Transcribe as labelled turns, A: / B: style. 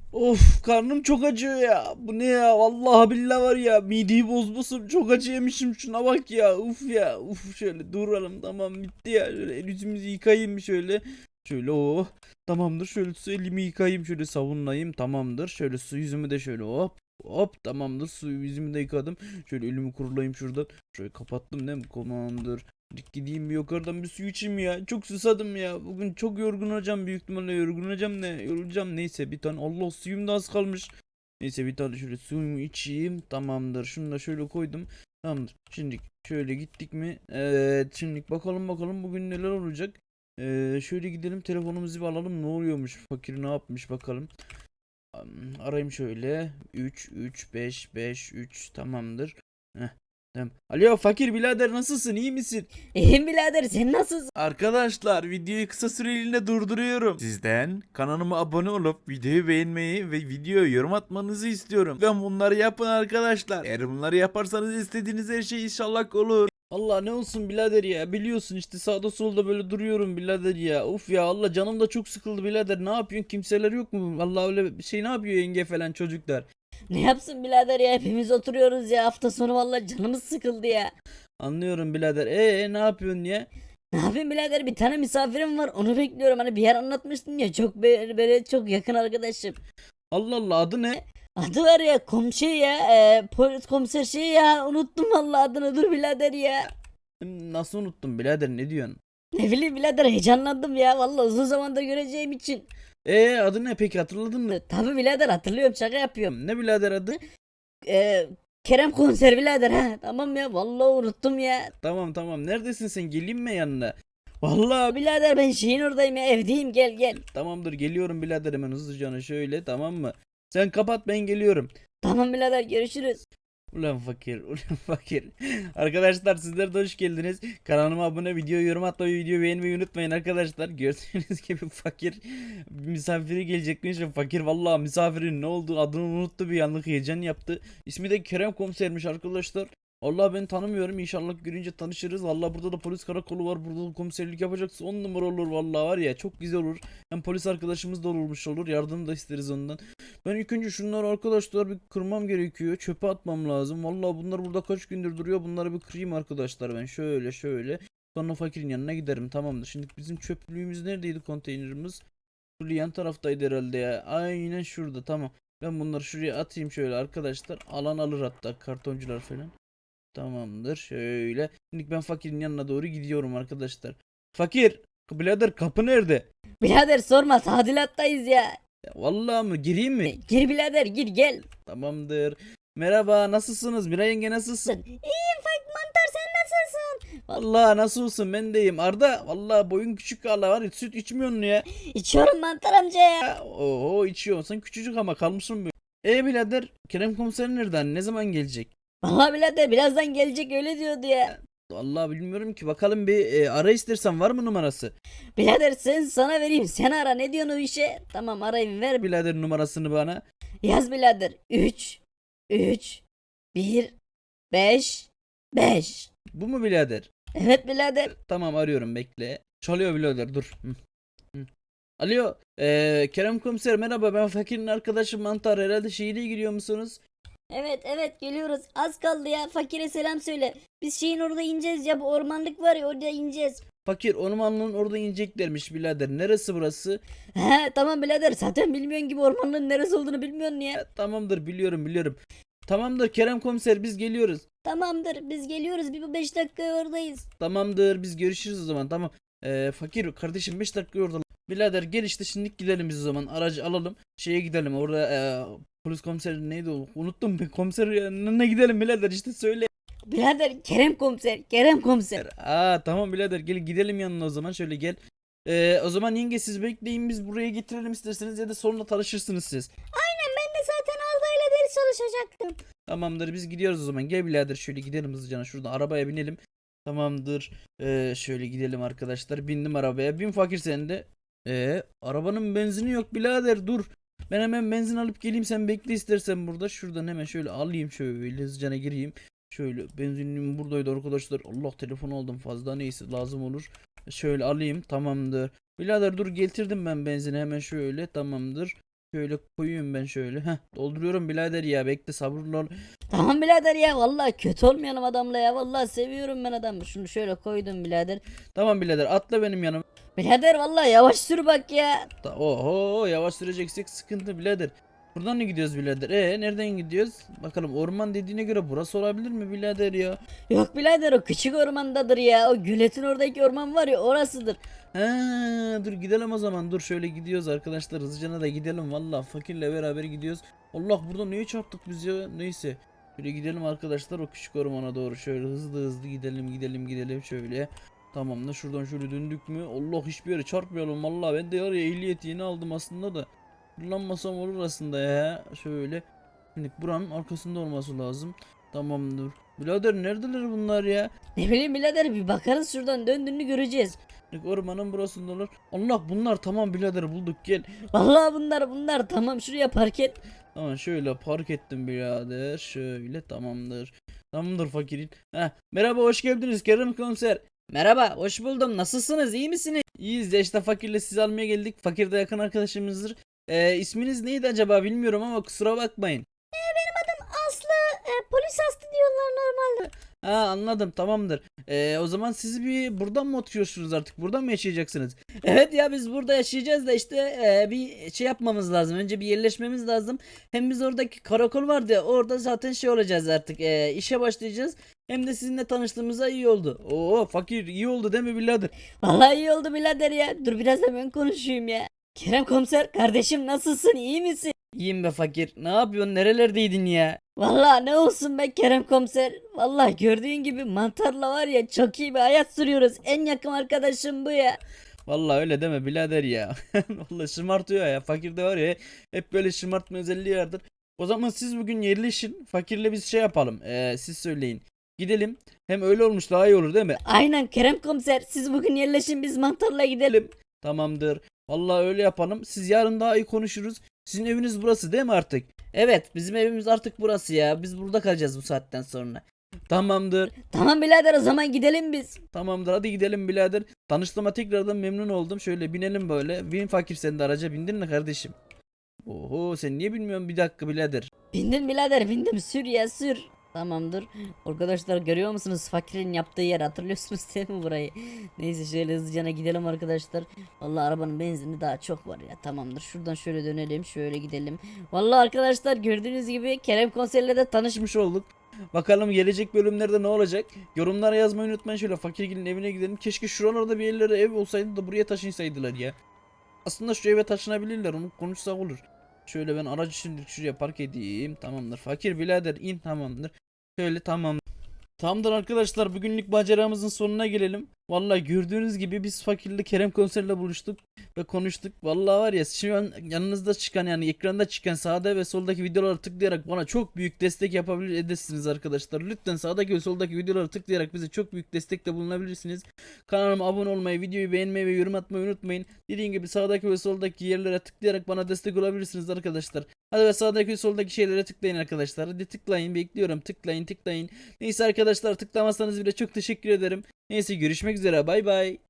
A: Of, karnım çok acıyor ya. Bu ne ya? Vallahi billahi var ya. Mideyi bozmasın. Çok acı yemişim. Şuna bak ya. Uf ya. Uf, şöyle duralım. Tamam, bitti ya. Şöyle el yüzümüzü yıkayayım şöyle. Şöyle oh. Tamamdır. Şöyle su elimi yıkayayım. Şöyle savunayım. Tamamdır. Şöyle su yüzümü de şöyle hop. Hop, tamamdır. Su yüzümü de yıkadım. Şöyle elimi kurulayım şuradan. Şöyle kapattım değil mi? Tamamdır. Gideyim bir yukarıdan bir su içeyim ya. Çok susadım ya. Bugün çok yorgun olacağım, büyük ihtimalle yorgun olacağım, ne yorulacağım, neyse bir tane, Allah, suyum da az kalmış. Neyse bir tane şöyle suyumu içeyim. Tamamdır. Şunu da şöyle koydum. Tamamdır. Şimdi şöyle gittik mi? Evet. Şimdi bakalım bugün neler olacak. Şöyle gidelim, telefonumuzu bir alalım. Ne oluyormuş? Fakir ne yapmış bakalım. Arayayım şöyle. 3 3 5 5 3 tamamdır. Heh, tamam. Alo fakir birader, nasılsın? İyi misin?
B: İyiyim birader, sen nasılsın?
A: Arkadaşlar, videoyu kısa süreliğine durduruyorum. Sizden kanalıma abone olup videoyu beğenmeyi ve videoya yorum atmanızı istiyorum. Ben bunları yapın arkadaşlar. Eğer bunları yaparsanız istediğiniz her şey inşallah olur. Allah ne olsun birader ya, biliyorsun işte sağda solda böyle duruyorum birader ya. Uf ya, Allah canım da çok sıkıldı birader. Ne yapıyorsun, kimseler yok mu? Vallahi öyle bir şey, ne yapıyor yenge falan, çocuklar?
B: Ne yapsın birader ya, hepimiz oturuyoruz ya, hafta sonu vallahi canımız sıkıldı ya.
A: Anlıyorum birader. Ne yapıyorsun ya?
B: Ne yapayım birader, bir tane misafirim var, onu bekliyorum. Hani bir yer anlatmıştın ya, çok böyle çok yakın arkadaşım.
A: Allah Allah, adı ne?
B: Adı var ya komşu ya, polis komiser şey ya, unuttum vallahi adını, dur birader ya.
A: Nasıl unuttum birader, ne diyorsun?
B: Ne bileyim birader, heyecanlandım ya vallahi, uzun zamandır göreceğim için.
A: Adı ne peki, hatırladın mı?
B: Tabii birader, hatırlıyorum, şaka yapıyorum.
A: Ne birader adı?
B: E, Kerem komiser birader, ha tamam ya, vallahi unuttum ya.
A: Tamam, neredesin sen, geleyim mi yanına? Vallahi
B: Birader ben şeyin oradayım ya, evdeyim, gel gel.
A: tamamdır, geliyorum birader, hemen hızlıca şöyle, tamam mı? Sen kapat, ben geliyorum.
B: Tamam birader, görüşürüz.
A: Ulan fakir, ulan fakir. Arkadaşlar, sizler de hoş geldiniz. Kanalıma abone, video yorum atmayı, video beğenmeyi unutmayın arkadaşlar. Gördüğünüz gibi fakir misafiri gelecekmiş ve fakir vallahi misafirin ne olduğu adını unuttu, bir anlık heyecan yaptı. İsmi de Kerem Komisermiş arkadaşlar. Allah, ben tanımıyorum, inşallah görünce tanışırız. Vallahi burada da polis karakolu var, burada da komiserlik yapacaksa 10 numara olur vallahi, var ya, çok güzel olur. Hem polis arkadaşımız da olmuş olur, yardım da isteriz ondan. Ben ilk önce şunları arkadaşlar bir kırmam gerekiyor. Çöpe atmam lazım. Vallahi bunlar burada kaç gündür duruyor. Bunları bir kırayım arkadaşlar ben. Şöyle. Sonra fakirin yanına giderim. Tamamdır. Şimdi bizim çöplüğümüz neredeydi, konteynerimiz? Şurada yan taraftaydı herhalde ya. Aynen şurada, tamam. Ben bunları şuraya atayım şöyle arkadaşlar. Alan alır hatta, kartoncular falan. Tamamdır. Şöyle. Şimdi ben fakirin yanına doğru gidiyorum arkadaşlar. Fakir. Birader, kapı nerede?
B: Birader sorma, tadilattayız ya.
A: Ya vallahi mı? Gireyim mi?
B: Gir birader, gir gel.
A: Tamamdır. Merhaba, nasılsınız? Miray yenge, nasılsın?
B: İyiyim Fak Mantar, sen nasılsın?
A: Vallahi nasıl olsun, ben deyim. Arda, vallahi boyun küçük, hala var ya, süt içmiyorsun ya.
B: İçiyorum Mantar amca ya.
A: Oho, içiyorsun küçücük ama kalmışsın böyle. Birader, Kerem komiser nereden? Ne zaman gelecek?
B: Vallahi birader birazdan gelecek, öyle diyordu ya.
A: Vallahi bilmiyorum ki. Bakalım bir ara istersen, var mı numarası?
B: Birader sen, sana vereyim, sen ara, ne diyorsun o işe? Tamam, arayayım, ver.
A: Birader, numarasını bana.
B: Yaz birader, 3 3 1 5 5.
A: Bu mu birader?
B: Evet birader.
A: Tamam, arıyorum, bekle. Çalıyor birader, dur. Hı. Alo, Kerem komiser merhaba, ben fakirin arkadaşı Mantar, herhalde şehire gidiyor musunuz?
B: Evet geliyoruz, az kaldı ya, fakire selam söyle. Biz şeyin orada ineceğiz ya, bu ormanlık var ya, orada ineceğiz.
A: Fakir, ormanlığın orada ineceklermiş birader. Neresi burası?
B: He tamam birader, zaten bilmiyorsun gibi, ormanlığın neresi olduğunu bilmiyorsun ya.
A: Tamamdır, biliyorum. Tamamdır Kerem komiser, biz geliyoruz.
B: Tamamdır, biz geliyoruz, bir 5 dakika oradayız.
A: Tamamdır, biz görüşürüz o zaman, tamam. Fakir kardeşim, 5 dakika orada. Birader gel işte, şimdi gidelim biz o zaman. Aracı alalım. Şeye gidelim orada, polis komiseri neydi o? Unuttum, bir komiser yanına gidelim birader, işte söyle.
B: Birader Kerem komiser, Kerem komiser.
A: Tamam birader, gel gidelim yanına o zaman, şöyle gel. O zaman yenge, siz bekleyin, biz buraya getirelim isterseniz, ya da sonra tanışırsınız siz.
B: Aynen, ben de zaten Arda ile ders çalışacaktım.
A: Tamamdır, biz gidiyoruz o zaman. Gel birader, şöyle gidelim hızlıca. Şuradan arabaya binelim. Tamamdır. Şöyle gidelim arkadaşlar. Bindim arabaya. Bin fakir sen de. Arabanın benzini yok birader, dur. Ben hemen benzin alıp geleyim, sen bekle istersen burada. Şuradan hemen şöyle alayım, şöyle hızlıca gireyim. Şöyle benzinliğim buradaydı arkadaşlar. Allah, telefon aldım fazla, neyse lazım olur. Şöyle alayım, tamamdır. Birader dur, getirdim ben benzini hemen, şöyle tamamdır. Şöyle koyuyorum ben şöyle. Heh, dolduruyorum birader ya. Bekle sabırlı ol.
B: Tamam birader ya vallahi kötü olmayalım adamla ya. Vallahi seviyorum ben adamı. Şunu şöyle koydum birader.
A: Tamam birader atla benim yanıma.
B: Birader vallahi yavaş sür bak ya.
A: Oho yavaş süreceksek sıkıntı birader. Buradan ne gidiyoruz birader? Nereden gidiyoruz? Bakalım orman dediğine göre burası olabilir mi birader ya?
B: Yok birader o küçük ormandadır ya. O göletin oradaki orman var ya orasıdır.
A: He, dur gidelim o zaman. Dur şöyle gidiyoruz arkadaşlar. Hızlıcana da gidelim. Valla fakirle beraber gidiyoruz. Allah burada neye çarptık biz ya? Neyse. Şöyle gidelim arkadaşlar o küçük ormana doğru. Şöyle hızlı hızlı gidelim şöyle. Tamam da şuradan şöyle döndük mü? Allah hiçbir yere çarpmayalım. Valla ben de var ya ehliyet yeni aldım aslında da. Kullanmasam olur aslında ya. Şöyle. Şimdi buranın arkasında olması lazım. Tamamdır. Birader neredeler bunlar ya?
B: Ne bileyim birader bir bakarız şuradan döndüğünü göreceğiz.
A: Ormanın burasında olur. Allah bunlar tamam birader bulduk gel.
B: Vallahi bunlar tamam şuraya park et.
A: Tamam şöyle park ettim birader. Şöyle tamamdır. Tamamdır fakirin. Merhaba hoş geldiniz Kerem komiser. Merhaba hoş buldum. Nasılsınız iyi misiniz? İyiyiz ya işte fakirle sizi almaya geldik. Fakir de yakın arkadaşımızdır. İsminiz neydi acaba bilmiyorum ama kusura bakmayın.
B: Aslı polis Aslı diyorlar normalde.
A: Anladım tamamdır. O zaman siz bir buradan mı oturuyorsunuz artık? Buradan mı yaşayacaksınız? Evet ya biz burada yaşayacağız da işte bir şey yapmamız lazım. Önce bir yerleşmemiz lazım. Hem biz oradaki karakol vardı ya orada zaten şey olacağız artık. İşe başlayacağız. Hem de sizinle tanıştığımıza iyi oldu. Oo fakir iyi oldu değil mi birader?
B: Vallahi iyi oldu birader ya. Dur biraz da ben konuşayım ya. Kerem komiser kardeşim nasılsın iyi misin?
A: İyiyim be fakir. Ne yapıyorsun? Nerelerdeydin ya?
B: Vallahi ne olsun be Kerem komiser. Vallahi gördüğün gibi mantarla var ya çok iyi bir hayat sürüyoruz. En yakın arkadaşım bu ya.
A: Vallahi öyle deme birader ya. Vallahi şımartıyor ya. Fakirde var ya hep böyle şımartma özelliği vardır. O zaman siz bugün yerleşin. Fakirle biz şey yapalım. Siz söyleyin. Gidelim. Hem öyle olmuş daha iyi olur değil mi?
B: Aynen Kerem komiser siz bugün yerleşin biz mantarla gidelim.
A: Tamamdır. Vallahi öyle yapalım. Siz yarın daha iyi konuşuruz. Sizin eviniz burası değil mi artık? Evet, bizim evimiz artık burası ya. Biz burada kalacağız bu saatten sonra. Tamamdır.
B: Tamam birader o zaman gidelim biz.
A: Tamamdır. Hadi gidelim birader. Tanıştığıma tekrardan memnun oldum. Şöyle binelim böyle. Bin fakir sen de araca bindin mi kardeşim? Oho sen niye bilmiyorsun bir dakika birader.
B: Bindim birader bindim sür ya sür. Tamamdır. Arkadaşlar görüyor musunuz fakirin yaptığı yer hatırlıyorsunuz değil mi burayı? Neyse şöyle hızlıca gidelim arkadaşlar. Vallahi arabanın benzini daha çok var ya. Tamamdır. Şuradan şöyle dönelim. Şöyle gidelim. Vallahi arkadaşlar gördüğünüz gibi Kerem konserle de
A: Tanışmış olduk. Bakalım gelecek bölümlerde ne olacak? Yorumlara yazmayı unutmayın. Şöyle fakirgilin evine gidelim. Keşke şuralarda bir yerlere ev olsaydı da buraya taşınsaydılar ya. Aslında şu eve taşınabilirler. Onu konuşsak olur. Şöyle ben aracı şimdi şuraya park edeyim. Tamamdır. Fakir birader in tamamdır. Şöyle tamam. Tamamdır arkadaşlar bugünlük maceramızın sonuna gelelim. Vallahi gördüğünüz gibi biz fakirli Kerem konserle buluştuk ve konuştuk. Vallahi var ya şu an yanınızda çıkan yani ekranda çıkan sağda ve soldaki videoları tıklayarak bana çok büyük destek yapabilir edersiniz arkadaşlar. Lütfen sağdaki ve soldaki videoları tıklayarak bize çok büyük destekte bulunabilirsiniz. Kanalıma abone olmayı, videoyu beğenmeyi ve yorum atmayı unutmayın. Dediğim gibi sağdaki ve soldaki yerlere tıklayarak bana destek olabilirsiniz arkadaşlar. Hadi ve sağdaki ve soldaki şeylere tıklayın arkadaşlar. Hadi tıklayın bekliyorum tıklayın. Neyse arkadaşlar tıklamazsanız bile çok teşekkür ederim. Neyse görüşmek üzere bay bay.